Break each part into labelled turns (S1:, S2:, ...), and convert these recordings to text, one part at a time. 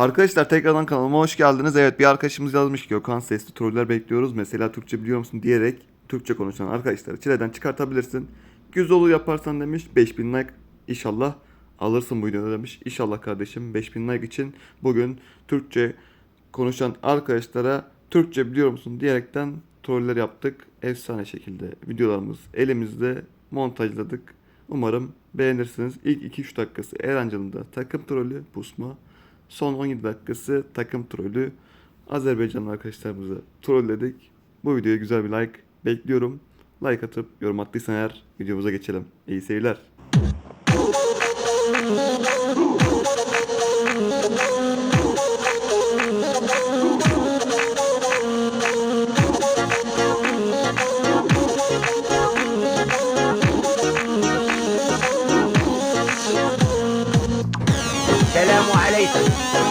S1: Arkadaşlar tekrardan kanalıma hoş geldiniz. Evet, bir arkadaşımız yazmış ki Gökhan, sesli troller bekliyoruz. Mesela Türkçe biliyor musun diyerek Türkçe konuşan arkadaşları çileden çıkartabilirsin. Güzel yaparsan demiş. 5000 like inşallah alırsın bu videoda demiş. İnşallah kardeşim, 5000 like için bugün Türkçe konuşan arkadaşlara Türkçe biliyor musun diyerekten troller yaptık. Efsane şekilde videolarımız elimizde, montajladık. Umarım beğenirsiniz. İlk 2-3 dakikası Erancıl'ın da takım trolü pusma. Son 17 dakikası takım trolü. Azerbaycanlı arkadaşlarımızı trolledik. Bu videoya güzel bir like bekliyorum. Like atıp yorum attıysan eğer videomuza geçelim. İyi seyirler.
S2: Selamun aleyküm.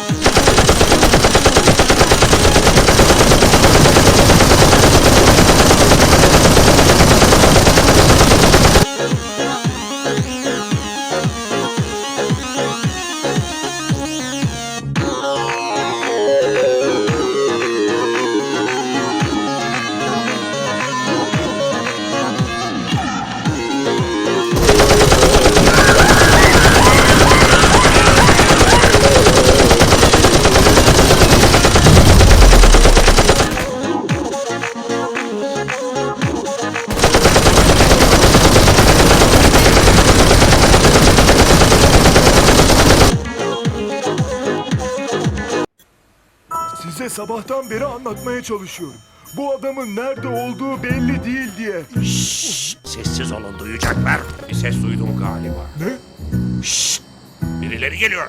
S3: Size sabahtan beri anlatmaya çalışıyorum. Bu adamın nerede olduğu belli değil diye.
S4: Sessiz olun, duyacaklar. Bir ses duydum galiba.
S3: Ne?
S4: Birileri geliyor.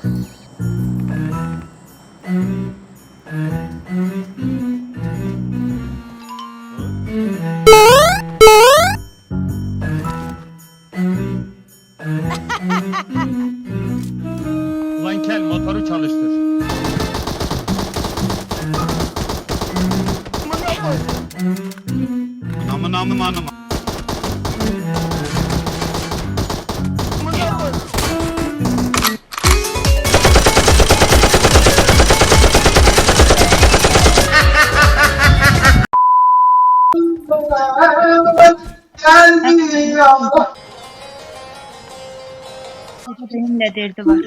S5: Ulan kel motoru çalıştır. Amın.
S6: Benim de derdi var.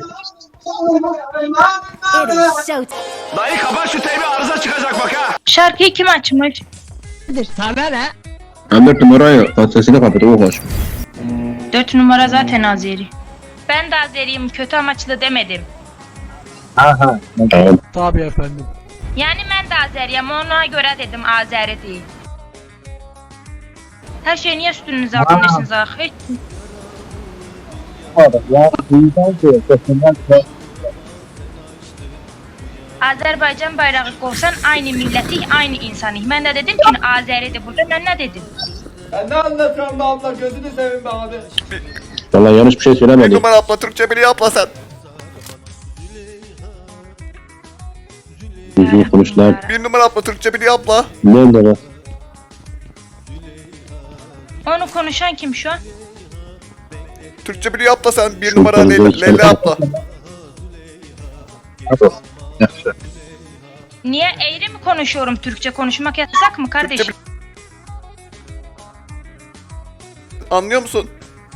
S4: Dayı kapat şu teybi, arıza çıkacak bak ha.
S6: Şarkıyı kim açmış?
S5: Sana ne?
S7: Ben 4 numarayı sesini kapatıp koş.
S6: 4 numara zaten Azeri. Ben de Azeriyim, kötü amaçlı demedim.
S7: Tamam.
S5: Tabii efendim.
S6: Yani ben de Azeriyim, ona göre dedim Azeri değil. Her şey niye üstünüze atıyorsunuz ah? Hiç... Azerbaycan bayrağı koysan aynı milleti, aynı insanı. Ben de dedim ki Azeri'de burada, ben ne dedim?
S8: Ne anlatıyorsun be abla, gözünü seveyim be abi.
S7: Vallahi yanlış bir şey
S1: Bir
S7: söylemedim.
S1: numara abla, Türkçe biliyor abla sen.
S7: Düzgün konuş lan.
S1: Bir numara abla, Türkçe biliyor abla.
S7: Nerede lan?
S6: Onu konuşan kim şu an?
S1: Türkçe biliyor abla sen. Bir
S7: Şu
S1: numara
S7: konuda hiç
S1: Leyla abla.
S6: Niye eğri mi konuşuyorum? Türkçe konuşmak yasak mı kardeşim?
S1: Anlıyor musun?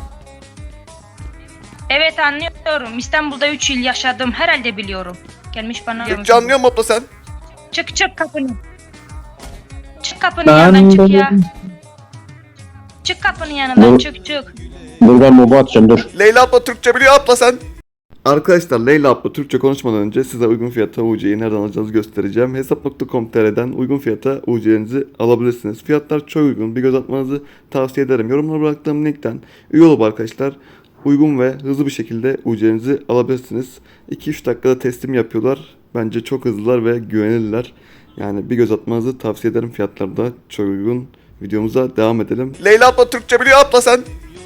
S6: Evet anlıyorum. İstanbul'da 3 yıl yaşadım. Herhalde biliyorum. Gelmiş bana.
S1: Türkçe anlıyor mu abla sen?
S6: Çık kapını. Çık kapının yanından çık ya. Çık kapının yanından çık.
S7: Dur ben mobu atacağım dur.
S1: Leyla abla, Türkçe biliyor abla sen. Arkadaşlar, Leyla abla Türkçe konuşmadan önce size uygun fiyata UC'yi nereden alacağınızı göstereceğim. Hesap.com.tr'den uygun fiyata UC'nizi alabilirsiniz. Fiyatlar çok uygun. Bir göz atmanızı tavsiye ederim. Yorumlara bıraktığım linkten üye olup arkadaşlar uygun ve hızlı bir şekilde UC'nizi alabilirsiniz. 2-3 dakikada teslim yapıyorlar. Bence çok hızlılar ve güvenilirler. Yani bir göz atmanızı tavsiye ederim. Fiyatlar da çok uygun. Videomuza devam edelim. Leyla abla, Türkçe biliyor abla sen.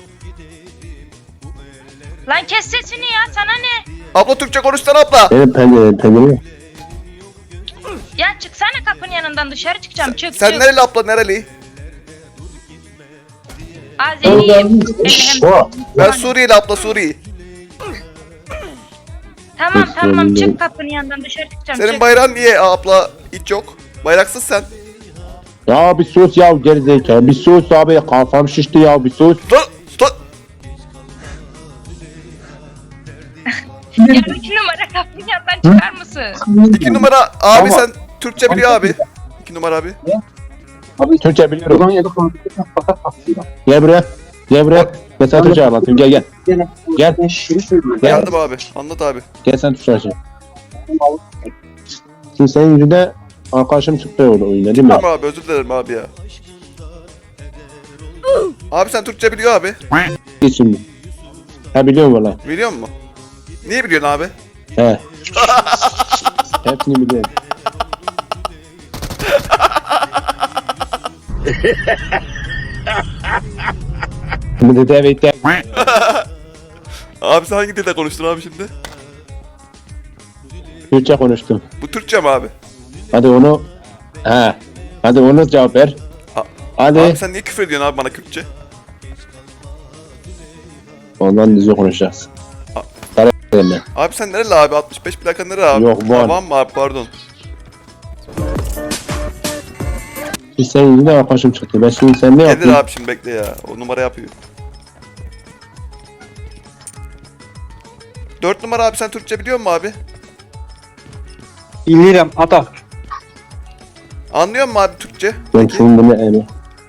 S6: Lan kes sesini ya, sana ne?
S1: Abla Türkçe konuşsana abla.
S7: Benim pencerem.
S6: Ya çıksana kapının yanından, dışarı çıkacağım. Çık.
S1: Sen nereli abla, nereli?
S6: Azeriyim.
S7: O.
S1: Ben Suriyeli abla, Suriye.
S6: Tamam
S7: Peki,
S6: tamam
S7: anladım.
S6: çık kapının yanından dışarı çıkacağım.
S1: Senin
S6: çık.
S1: bayrağın niye abla hiç yok? Bayraksız sen.
S7: Ya bir sus ya gerizekalı. Bir sus abi, kafam şişti ya, bir sus.
S1: Sus.
S6: Ya 2 numara kapının yanından çıkar mısın?
S1: 2 numara abi
S7: Ama-
S1: sen Türkçe biliyor abi. 2 numara abi.
S7: Türkçe biliyorum. Gel buraya. Gel buraya. Gel sen Türkçe anlatayım. Gel gel. Gel. Gel.
S1: Geldim abi. Anlat abi.
S7: Gel sen Türkçe anlatayım. Şimdi senin yüzünden arkadaşım çıktı orada oyuna değil mi?
S1: Tamam abi, özür dilerim abi ya. Abi sen Türkçe biliyor abi.
S7: Git şimdi. Ha biliyorum valla.
S1: Biliyor musun? Niye biliyorsun abi?
S7: He. Hepsini biliyorum. Şimdi de evet de.
S1: Abi sen hangi dilde konuştun abi şimdi?
S7: Türkçe konuştum.
S1: Bu Türkçe mi abi?
S7: Hadi onu. He. Hadi onu cevap ver.
S1: A-
S7: Hadi.
S1: Abi sen niye küfür ediyorsun abi bana Kürtçe?
S7: Ondan düzgün konuşacağız. Sana ben.
S1: Abi sen nereli abi? 65 plaka nereli abi?
S7: Yok, Van.
S1: Van mı abi, pardon.
S7: Biz senin yüzünden arkadaşım çıktı. Ben şimdi sen ne
S1: Gelir
S7: yapayım?
S1: abi şimdi, bekle ya. O numara yapıyor. 4 numara abi, sen Türkçe biliyor musun abi?
S5: Bilirim ata.
S1: Anlıyor musun abi Türkçe?
S7: Ben şunu bunu yani.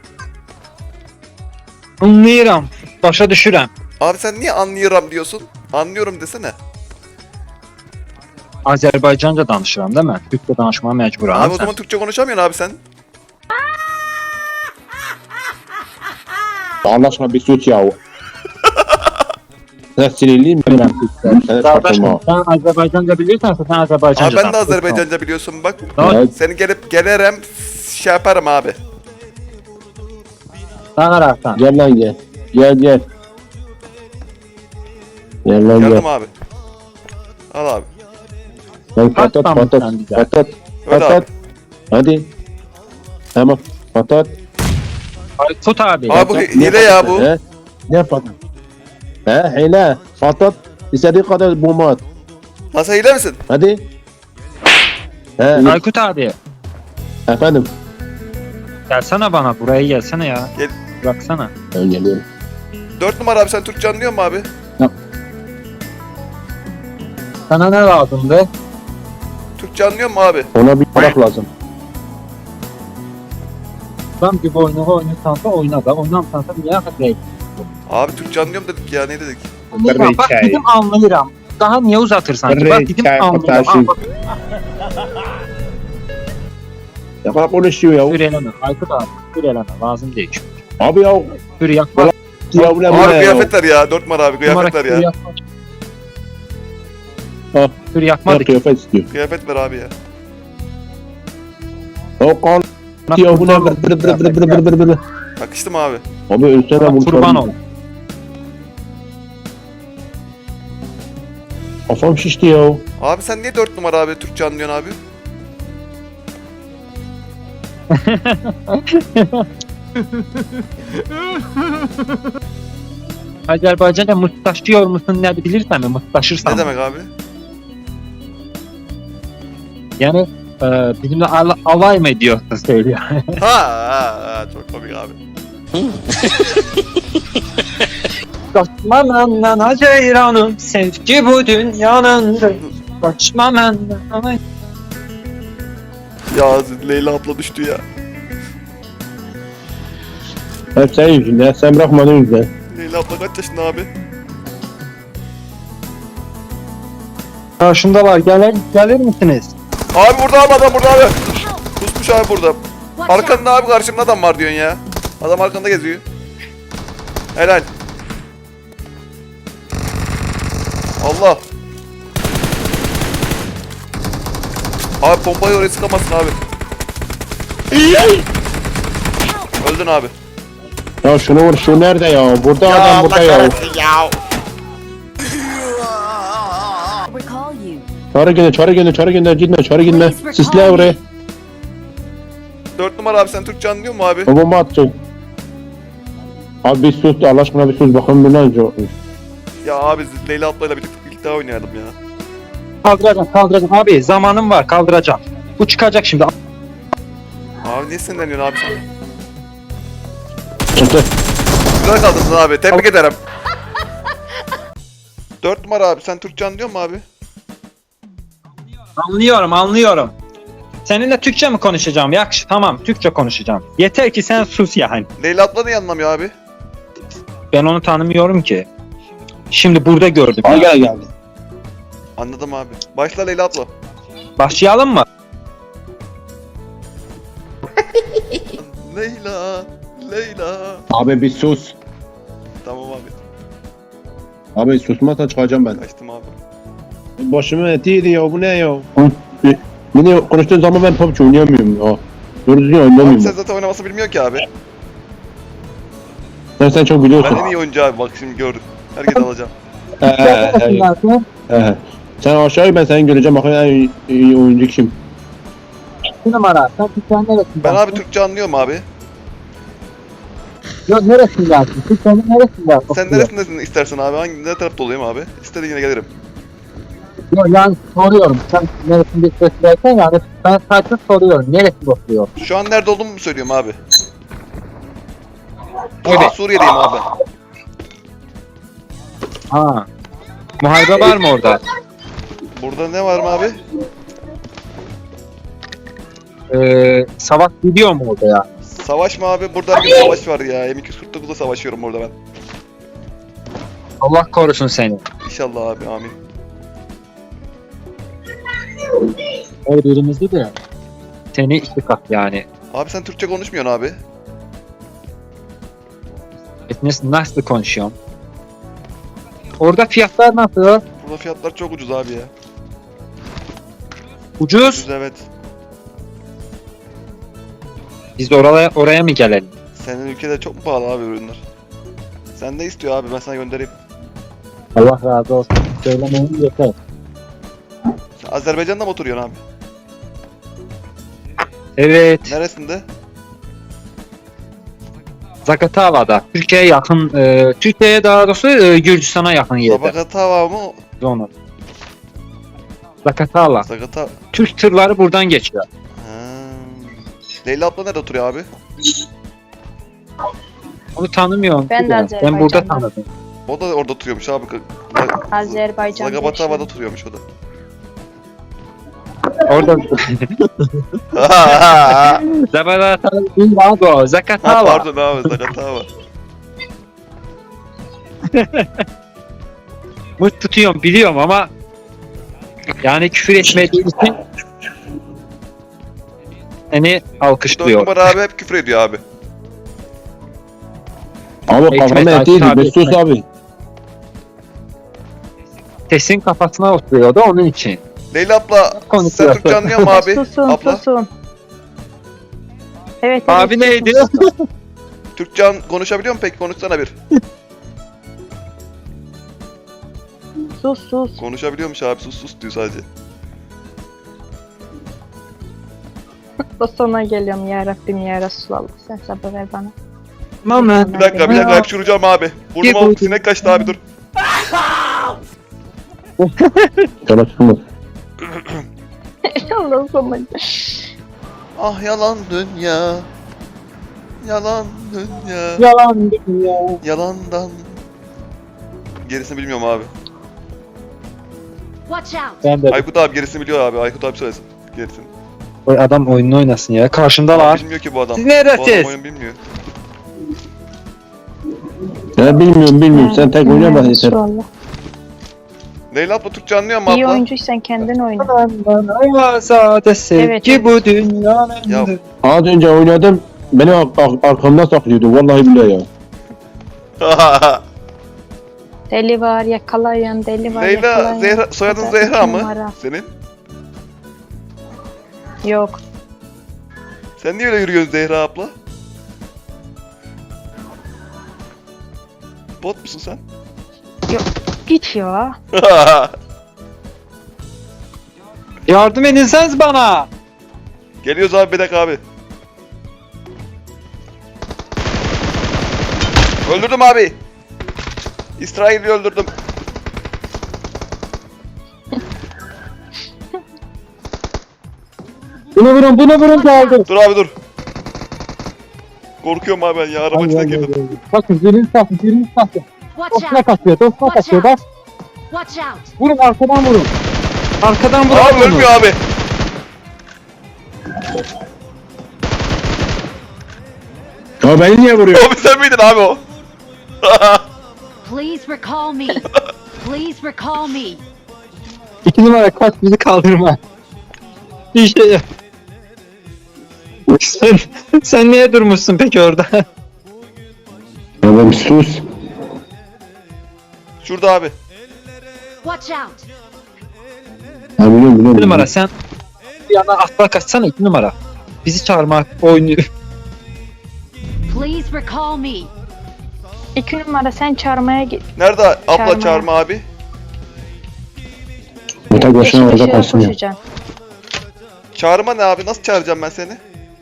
S5: Anlayıram. Başa düşürəm.
S1: Abi sen niye anlıyorum diyorsun? Anlıyorum desene.
S5: Azərbaycanca danışıram da mən. Türkçə danışmağa məcburam.
S1: Abi o zaman Türkçe konuşamıyorsun abi sen.
S7: Allah aşkına bir sus ya. Sen sinirliyim ben. Sen çarpılma.
S5: Sən Azərbaycanca bilirsənsə sən Azərbaycanca
S1: Abi ben de Azerbaycanca biliyorsun bak.
S7: Evet.
S1: Seni gelirim şey yaparım abi.
S5: Danışarsan.
S7: Gel lan gel. Gel gel. Gel lan gel.
S1: Geldim abi. Al abi.
S7: Lan patat
S5: Patlam
S7: patat
S5: sen bize.
S7: patat
S1: Öyle
S7: patat.
S1: abi.
S7: Hadi. Tamam. Patat.
S5: Aykut abi.
S1: Abi bu hile ya bu.
S7: He? Ne patat? He hile. Patat. İstediğin kadar bomba at.
S1: Nasıl hile misin?
S7: Hadi. He.
S5: Aykut abi.
S7: Efendim.
S5: Gelsene bana buraya gelsene ya.
S1: Gel.
S5: Baksana.
S7: Ben geliyorum.
S1: 4 numara abi, sen Türkçe anlıyor musun abi?
S5: Sana ne lazımdı?
S1: Türkçe anlıyor musun abi?
S7: Ona bir bırak lazım.
S5: Ben bir oyunu oynarsansa oyna da. Oynamsansa niye hakikaten?
S1: Abi Türkçe anlıyorum dedik ya, ne dedik?
S5: Anlayıram. Bak dedim anlayıram. Daha niye uzatırsan ki? Bak dedim anlayıram. Al bak
S7: Ya bak konuşuyor ya.
S5: küfür eleme. Aykut abi küfür eleme. Lazım değil.
S7: Abi ya.
S5: Küfür yapma.
S7: Ya bu ne
S1: Abi
S7: ya?
S1: kıyafetler ya, 4 numara abi, kıyafetler ya.
S7: Ha.
S5: Küfür
S7: Ya
S5: yapmadık.
S7: kıyafet istiyor.
S1: Kıyafet ver abi ya.
S7: O kan. Ya bu ne? Bır.
S1: Yakıştı mı abi?
S7: Abi ölsene bu.
S5: Kurban ol.
S7: Kafam şişti ya.
S1: Abi sen niye 4 numara abi Türkçe anlıyorsun abi?
S5: Azərbaycanca mıstaşıyor musun ne bilirsən mi? Mıstaşırsan.
S1: Ne demek abi?
S5: Yani bizimle alay mı ediyorsun söylüyor.
S1: Ha, çok komik abi.
S5: Kaçma benden Haziran'ım, sevgi bu dünyanındır. Kaçma benden.
S1: Ya Leyla abla düştü ya.
S7: Hep senin yüzünden. Sen bırakmadın yüzünden.
S1: Leyla abla kaç yaşında abi?
S5: Karşımdalar, gelir misiniz?
S1: Abi burada abi, adam burada abi. Kusmuş abi burada. Arkanda abi, karşımda adam var diyorsun ya. Adam arkanda geziyor. Helal. Allah. Abi pompayı oraya sıkamazsın abi. Öldün abi.
S7: Ya şunu vur. Şu nerede ya? Burada adam burada ya.
S4: ya.
S9: Recall you.
S7: Çağrı gönder. Gitme çağrı gitme. Sisle oraya.
S1: 4 numara abi, sen Türkçe anlıyor musun abi?
S7: O bomba atacak. Abi bir sus. Allah aşkına bir sus. Bakın bu ne olacak.
S1: Ya abi Leyla ablayla birlikte oynayalım ya.
S5: Kaldıracağım. Abi zamanım var, kaldıracağım. Bu çıkacak şimdi.
S1: Abi niye sinirleniyorsun abi sen?
S7: Çıktı.
S1: Güzel kaldınız abi. Tebrik ederim. 4 numara abi. Sen Türkçe anlıyor musun abi?
S5: Anlıyorum. Seninle Türkçe mi konuşacağım? Yakış, tamam, Türkçe konuşacağım. Yeter ki sen sus yani.
S1: Leyla abla niye anlamıyor abi?
S5: Ben onu tanımıyorum ki. Şimdi burada gördüm.
S7: Al gel geldi.
S1: Anladım abi. Başla Leyla abla.
S5: Başlayalım mı?
S1: Leyla. Leyla.
S7: Abi bir sus.
S1: Tamam abi.
S7: Abi susmazsan çıkacağım ben.
S1: Kaçtım abi.
S7: Başımın etiydi ya bu ne ya? Beni konuştuğun zaman ben PUBG oynayamıyorum ya. Doğru düzgün
S1: Abi
S7: oynayamıyorum.
S1: sen zaten oynaması bilmiyor ki abi.
S7: Sen çok biliyorsun.
S1: Ben en iyi oyuncu abi. Bak şimdi gördüm. Herkes alacağım.
S7: Sen aşağıya ben seni göreceğim. Bakın en iyi oyuncu kim?
S5: Bir numara. Sen Türkçe'nin neresinden?
S1: Ben abi Türkçe anlıyorum abi.
S5: Yok neresinden? Türkçe'nin neresinden?
S1: Sen neresindesin istersen abi? Ne tarafta olayım abi? İstediğine gelirim.
S5: Yok yani soruyorum. Sen neresinde istersen yani ben sadece soruyorum. Neresi oturuyor?
S1: Şu an nerede olduğumu mu söylüyorum abi?
S5: Evet.
S1: Suriye'deyim abi.
S5: Ha. Muharebe var mı orada?
S1: Burada ne var mı abi?
S5: Savaş gidiyor mu orada ya?
S1: Savaş mı abi? Burada her gün savaş var ya. M249'da savaşıyorum burada ben.
S5: Allah korusun seni.
S1: İnşallah abi amin.
S5: O birimizde de seni iki kat yani.
S1: Abi sen Türkçe konuşmuyorsun abi.
S5: Nasıl konuşuyorum? Orada fiyatlar nasıl?
S1: Burada fiyatlar çok ucuz abi ya.
S5: Ucuz.
S1: Ucuz evet.
S5: Biz de oraya mı gelelim?
S1: Senin ülkede çok mu pahalı abi ürünler? Sen ne istiyor abi ben sana göndereyim.
S5: Allah razı olsun. Söylemeyin yeter.
S1: Sen Azerbaycan'da mı oturuyorsun abi?
S5: Evet.
S1: Neresinde?
S5: Zagatala'da. Türkiye'ye yakın, Türkiye'ye daha doğrusu Gürcistan'a yakın yerde.
S1: Zagatava mı?
S5: Zonu. Zagatala.
S1: Zagata...
S5: Türk tırları buradan geçiyor.
S1: Ha. Leyla abla nerede oturuyor abi?
S5: Onu tanımıyorum.
S6: Ben de
S5: Ben
S6: Azerbaycan'da.
S5: burada tanıdım.
S1: O da orada oturuyormuş abi.
S6: Azerbaycan'da
S1: Zagabatava'da
S6: yaşıyorum.
S1: oturuyormuş o da.
S5: Orada Zagatala değil abi o.
S1: Ha,
S5: Zakatala.
S1: pardon abi Zagatava.
S5: Mut tutuyorum biliyorum ama yani küfür etmediği için seni
S1: 4
S5: alkışlıyor.
S1: numara abi hep küfür ediyor abi.
S7: Abi
S5: Ekmek,
S7: kafamın
S5: Aykut
S7: etiydi.
S5: abi,
S7: Bir sus
S5: ekmek.
S7: abi.
S5: Sesin kafasına oturuyordu onun için.
S1: Leyla abla sen
S5: Konuşuyor.
S1: Türkçe anlıyor musun abi?
S6: Susun
S1: Abla
S6: susun. Evet,
S5: Abi
S6: evet,
S5: neydi?
S6: susun.
S1: Türkçe konuşabiliyor musun peki? Konuşsana bir.
S6: Sus.
S1: Konuşabiliyormuş abi sus sus diyor sadece.
S6: O sona geliyorum ya Rabbim ya Resulallah. Sen sabır ver bana.
S5: Moment.
S1: Bir dakika hapşuracağım abi. Burnuma
S5: Gel,
S1: sinek kaçtı abi dur.
S7: Sana çıkmaz.
S6: Allah sana.
S1: Ah yalan dünya. Yalan dünya.
S5: Yalan dünya.
S1: Yalandan. Gerisini bilmiyorum abi.
S9: Watch out!
S5: Ben de.
S1: Aykut abi gerisini biliyor abi. Aykut abi söylesin. Gerisini.
S5: Oy adam oyununu oynasın ya. Karşındalar.
S1: Bilmiyor ki bu adam.
S5: Siz
S1: Bu adam
S5: neredesiniz?
S1: oyun bilmiyor.
S7: Ben bilmiyorum. Sen tek oynama yeter.
S6: Resulallah.
S1: Leyla abla Türkçe anlıyor mu
S6: İyi
S1: abla?
S6: oyuncuysan kendin oyna.
S5: Bana azade sevgi
S6: Evet, evet.
S5: bu dünyanın.
S1: Ya
S7: Az önce oynadım. Beni arkamda saklıyordu. Vallahi billahi ya.
S6: Deli var yakalayan deli var
S1: Leyla
S6: yakalayan.
S1: Zehra, soyadın
S6: Bu da
S1: Zehra
S6: iki
S1: mı?
S6: numara.
S1: Senin?
S6: Yok.
S1: Sen niye öyle yürüyorsun Zehra abla? Bot musun sen?
S6: Git ya.
S5: Yardım edinseniz bana.
S1: Geliyoruz abi bir dakika abi. Öldürdüm abi. İsrail'i öldürdüm.
S5: Bunu vurun geldi.
S1: Dur abi dur. Korkuyorum abi ben ya. Araba içine girdim.
S5: Bakın birini satın.
S9: Watch
S5: Dostuna
S9: out!
S5: kaçıyor. Bas.
S9: Watch out!
S5: Vurun arkadan vurun. Arkadan vurun.
S1: Abi ölmüyor abi.
S7: Ya beni niye vuruyor?
S1: Abi sen miydin abi o?
S9: Please recall me. Please recall me.
S5: 2 numara kaç bizi kaldırma. İşte. Sen niye durmuşsun peki orada?
S7: Oğlum sus.
S1: Şurada abi.
S9: Watch out!
S7: Ha biliyorum.
S5: 2 numara sen bir yana atla kaçsana 2 numara. Bizi çağırmak oynuyor.
S9: Please recall me.
S6: 2 numara sen çağırmaya git.
S1: Nerede abla
S6: Çağırma.
S1: çağırma abi?
S7: Bu tek başına
S6: Yeşil
S7: orada
S6: ışığa
S7: kalsın ya.
S6: koşacaksın.
S1: Çağırma ne abi? Nasıl çağıracağım ben seni?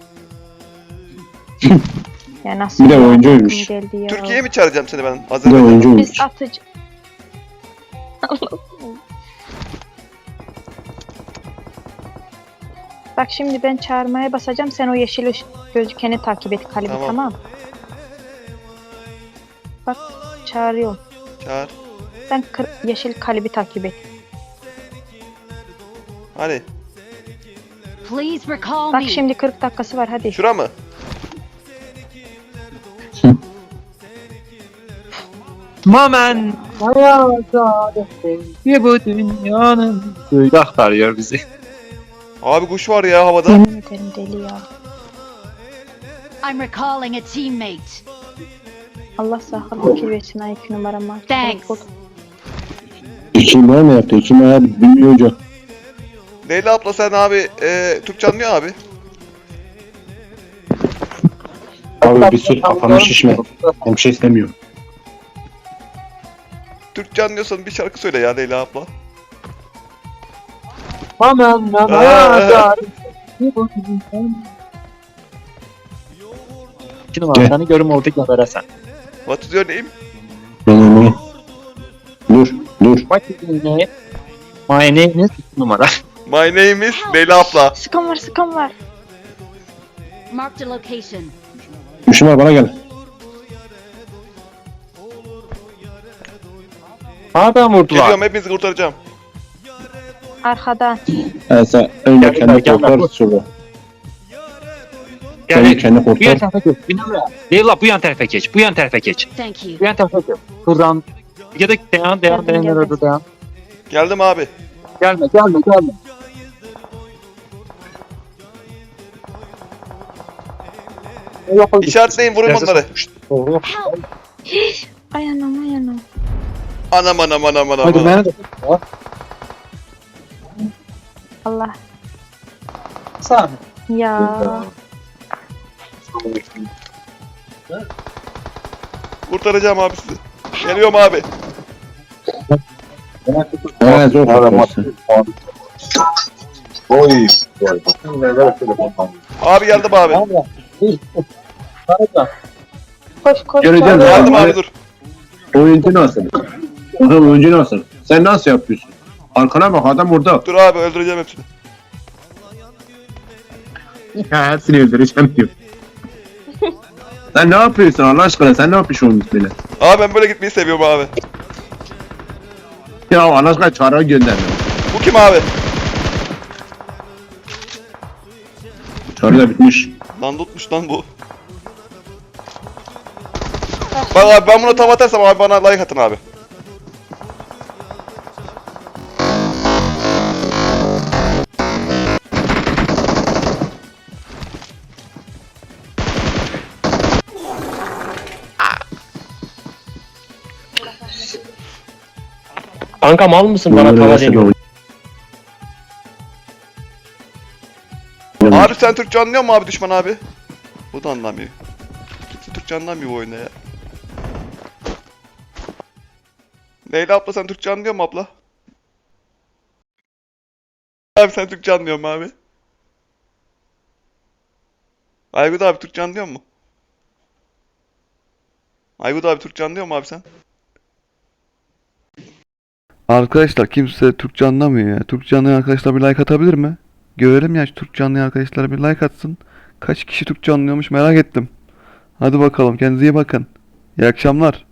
S6: Ya nasıl
S7: Bir de
S6: ya,
S7: oyuncuymuş.
S6: aklım geldi ya.
S1: Türkiye'ye mi çağıracağım seni ben?
S7: Bir de
S1: Azerbaycan'a.
S7: oyuncuymuş.
S6: Biz atıcı. Bak şimdi ben çağırmaya basacağım. Sen o yeşil gözükeni takip et Kalibi,
S1: Tamam.
S6: tamam. Bak çağırıyorum.
S1: Çağır.
S6: Sen yeşil Kalibi takip et.
S1: Hani?
S9: Please recall
S6: Bak
S9: me.
S6: şimdi 40 dakikası var hadi.
S1: Şura mı?
S5: Mamen hayata bir bu dünyanın böyle aktarıyor bizi.
S1: Abi kuş var ya havada.
S6: Yemin ederim deli ya.
S9: I'm recalling a teammate.
S6: Allah sağlık fikir versin ay 2 numarama.
S9: Thanks.
S7: İki numara mı yaptı? 2 numara bilmiyor hoca.
S1: Leyla abla sen abi Türkçe anlıyor abi.
S7: Abi bir sus kafanı şişme. Ben bir şey istemiyorum.
S1: Türkçe anlıyorsan bir şarkı söyle ya Leyla abla.
S5: Mamen hayata bir bu dünyanın. 2 numara seni görüm oldu gebere sen.
S1: What is your name?
S7: Ne? Dur.
S5: What is your name? My name is 2 numara.
S1: My name is Leyla abla.
S6: Sıkan var.
S9: Marked a location.
S7: 3 numara bana gel.
S5: Adam vurdular.
S1: Geliyorum hepinizi kurtaracağım.
S6: Arkadan.
S7: Sen önce
S5: Gel,
S7: kendi
S5: gel,
S7: kurtar
S5: gel.
S7: sonra.
S5: Gel,
S7: Sen kendi
S5: bu yan
S7: kurtar.
S5: tarafa geç. Bir numara. Leyla bu yan tarafa geç. Bu yan tarafa geç.
S9: Thank you.
S5: Bu yan tarafa geç. Buradan. Ya da devam.
S6: Geldim.
S5: Orada devam.
S1: Geldim abi.
S5: Gelme.
S1: İşaretleyin vurun onları.
S6: Ay anam.
S1: Anam.
S5: Hadi beni de.
S6: Allah.
S5: Sağ
S6: Ya.
S1: Kurtaracağım abi sizi. Geliyorum abi.
S7: Zor kurtarsın.
S1: Abi geldim abi.
S6: Koş.
S7: Göreceğim.
S1: Geldim abi dur.
S7: Oyuncu nasıl? Adam oyuncu nasıl? Sen nasıl yapıyorsun? Arkana bak adam orada.
S1: Dur abi öldüreceğim hepsini.
S7: Ya hepsini öldüreceğim diyor. Sen ne yapıyorsun Allah aşkına? Sen ne yapıyorsun böyle?
S1: Abi ben böyle gitmeyi seviyorum abi.
S7: Ya Allah aşkına çağrı gönder.
S1: Bu kim abi?
S7: Çağrı da bitmiş.
S1: Lan tutmuş lan bu. Bak abi ben buna tava atarsam abi bana like atın abi.
S4: Kanka mal mısın bana tava deniyor?
S1: Abi sen Türkçe anlıyor musun abi düşman abi? Bu da anlamıyor. Kimse Türkçe anlamıyor bu oyunda ya. Leyla abla sen Türkçe anlıyor musun abla? Abi sen Türkçe anlıyor musun abi? Aykut abi Türkçe anlıyor musun? Aykut abi Türkçe anlıyor musun abi sen?
S10: Arkadaşlar kimse Türkçe anlamıyor ya. Türkçe anlayan arkadaşlar bir like atabilir mi?
S1: Görelim ya şu Türkçe anlayan arkadaşlar bir like atsın. Kaç kişi Türkçe anlıyormuş merak ettim. Hadi bakalım kendinize iyi bakın. İyi akşamlar.